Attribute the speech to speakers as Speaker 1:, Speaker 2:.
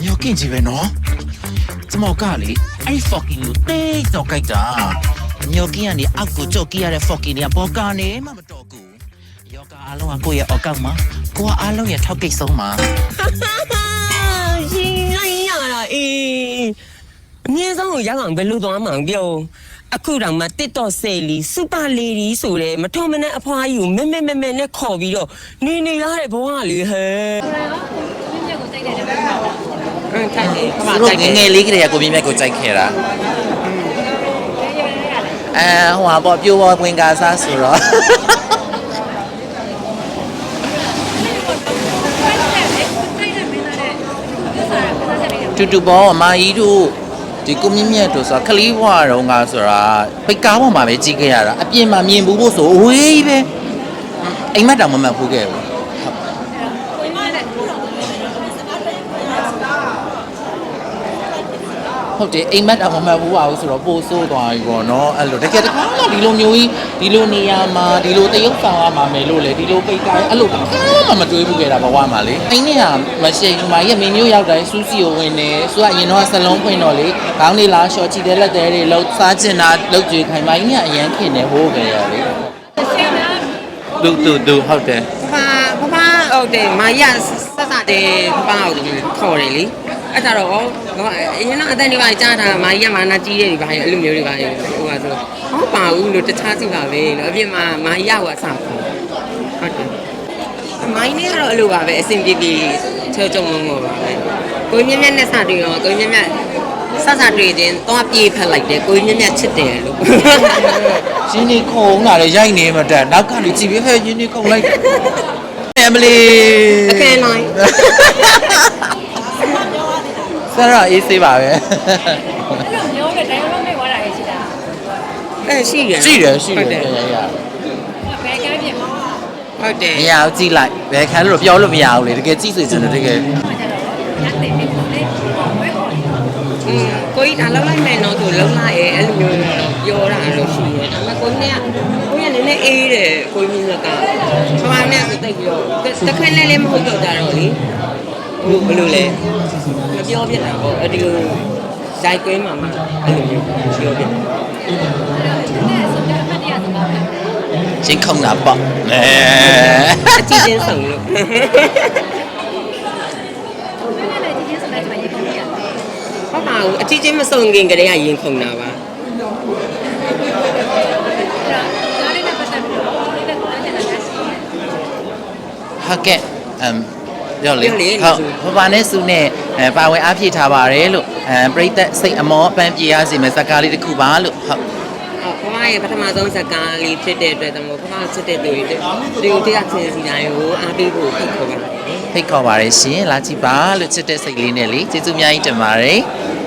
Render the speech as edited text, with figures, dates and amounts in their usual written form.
Speaker 1: ညောကင်းကြီးပဲနော်ကျမောကလေအဲ့ fucking ကိုတိတ်တော့ကြိုက်တာညောကင်းကနေအောက်ကိုကြော့ကြည့်ရတဲ့ fucking တွေကပေါ်ကနေမှမတော်ဘူးယောဂအားလုံးကကိုယ့်ရဲ့အောက်ကောက်မှာကိုကအားလုံးရဲ့ထောက်ကိတ်ဆုံးမှာ
Speaker 2: ရှင်လိုက်ရတာအေးအမြင့်ဆုံးကိုရောက်အောင်ဘယ်လိုသွားမှန်းပြောအခုတောင်မှတစ်တော့ဆယ်လီစူပါလေဒီဆိုတဲ့မထုံမနဲ့အဖွားကြီးကိုမဲနဲ့ခေါ်ပြီးတော့နေရတဲ့ဘဝလေးဟဲ့ထိုက်တယ်ခမ
Speaker 1: သူ
Speaker 2: ထို
Speaker 1: တို့
Speaker 2: က်တယ်
Speaker 1: ငယ်လေးကလေးကကိုမြင့်မြတ်ကိုကြိုက်ခဲ့တာဟိုဟာပေါ့ပြိုးပေါ်ဝင်ကားစားဆိုတော့တူပေါ်အမကြီးတို့ဒီကိုမြင့်မြတ်တို့ဆိုတာခလီးဘွားတော့ငါဆိုတာပိတ်ကားပေါ်မှာပဲကြီးခဲ့ရတာအပြင်မှာမြင်ဘူးဖို့ဆိုဝေးပဲအိမ်မက်တောင်မမှတ်ဘူးခဲ့ဘူးဟုတ်တယ်အိမ်မက်တောင်မမှတ်ဘူးပါဘူးဆိုတော့ပို့ဆိုးသွားပြီပေါ့နော်အဲ့လိုတကယ်တခါမှဒီလိုမျိုးကြီးဒီလိုနေရာမှာဒီလိုတရုပ်ဆောင်ရမှာမယ်လို့လေဒီလိုပိတ်ကားအဲ့လိုတခါမှမတွေးဘူးခဲ့တာဘဝမှာလေအိမ်နဲ့ကမရှိဘူးမကြီးကမင်းမျိုးရောက်တိုင်းစူးစီကိုဝင်နေသူကအရင်တော့ဆလုံးဖွင့်တော့လေခေါင်းလေးလားရှော့ချီတဲ့လက်သေးတွေလှုပ်စားချင်တာလှုပ်ကြွေခိုင်မကြီးကအရန်ခင်နေဟိုးကြရလေတူဟုတ်တယ်
Speaker 2: ဖဖဟုတ်တယ်မာရဆက်တယ်ဖကိုခေါ်တယ်လေအဲ့ဒါတော့အရင်ကအတန်းတွေပါကြားတာမာကြီးကမာနာကြီးတယ်ဒီပါအဲ့လိုမျိုးတွေပါဟိုကဆိုဟုတ်ပါဘူးလို့တခြားစီပါပဲလို့အပြင်မှာမာကြီးကအဆခေါ်ဟုတ်တယ်မိုင်းနေကတော့အဲ့လိုပါပဲအဆင်ပြေပြေချောကြုံမပါပဲကိုမြင့်မြတ်နဲ့စတွေ့တော့ကိုမြင့်မြတ်စတွေ့ချင်းတော့ပြေးဖက်လိုက်တယ်ကိုမြင့်မြတ်ချစ်တယ်လို့
Speaker 1: ရင်းနေခုံလာတယ်ရိုက်နေမှတက်နောက်ကနေကြည့်ပြီးဟဲ့ရင်းနေခုံလိုက်အမလီ
Speaker 2: အခန်းနိုင်
Speaker 1: ဆရာအေးဆေးပါပဲ
Speaker 3: အဲ့လိုမျိုးပဲတိုင်းလုံးမိတ်သွားတာရဲ့ရှိတာ
Speaker 2: ရှိတယ်
Speaker 1: ရရ
Speaker 3: ဘယ်ကမ်းပြင်မှာ
Speaker 2: ဟုတ်တယ်
Speaker 1: မရဘူးကြည့်လိုက်ဘယ်ခံလို့ပြောလို့မရဘူးလေတကယ်ကြည့်စေချင်တယ်တကယ်
Speaker 3: ညနေနေပုံလေးဝဲခေါ်နေ
Speaker 2: ကိုကြီးဒါလောက်လိုက်မယ်နော်သူလုံးလိုက်ရဲ့အဲ့လိုမျိုးပြောတာလို့ရှိရဲ့ဒါပေမဲ့ကိုကြီးကနည်းနည်းအေးတယ်ကိုကြီးမြတ်ကဘာမှနဲ့ဆိုတိတ်ပြီးတော့တခက်နဲ့လည်းမဟုတ်တော့ကြတော့လေဘယ်လိုလဲမပြောပြတာပေါ့အဲ့ဒီလိုဇိုက်ကွင်းမှာအဲ့လိုမျိုးပြောပြ
Speaker 1: ချင်းခုံတာပေါ့
Speaker 2: အကြည့်ချင်းဆောင်လို့ဟုတ်ပါဘူးအကြည့်ချင်းမစုံခင်ကတည်းကရင်ခုန်တာပါ
Speaker 1: ဟုတ်ကဲ့ပြောလေဟုတ်ဘာနဲ့စုနဲ့ပါဝင်အားဖြည့်ထားပါတယ်လို့ပရိသတ်စိတ်အမောအပန်းပြေရစီမယ်ဇာကားလေးတစ်ခုပါလို့ဟုတ်
Speaker 2: ဖမရဲ့ပထမဆုံးဇာကားလေးဖြစ်တဲ့အတွက်တမို့ဖမချစ်တဲ့သူတွေတရားချင်းစီတိုင်းကိုအားပေးဖို့ဖိတ်ခေါ်ပါတယ်
Speaker 1: ဖိတ်ခေါ်ပါတယ်ရှင်လာကြည့်ပါလို့ချစ်တဲ့စိတ်လေးနဲ့လေကျေးဇူးအများကြီးတင်ပါတယ်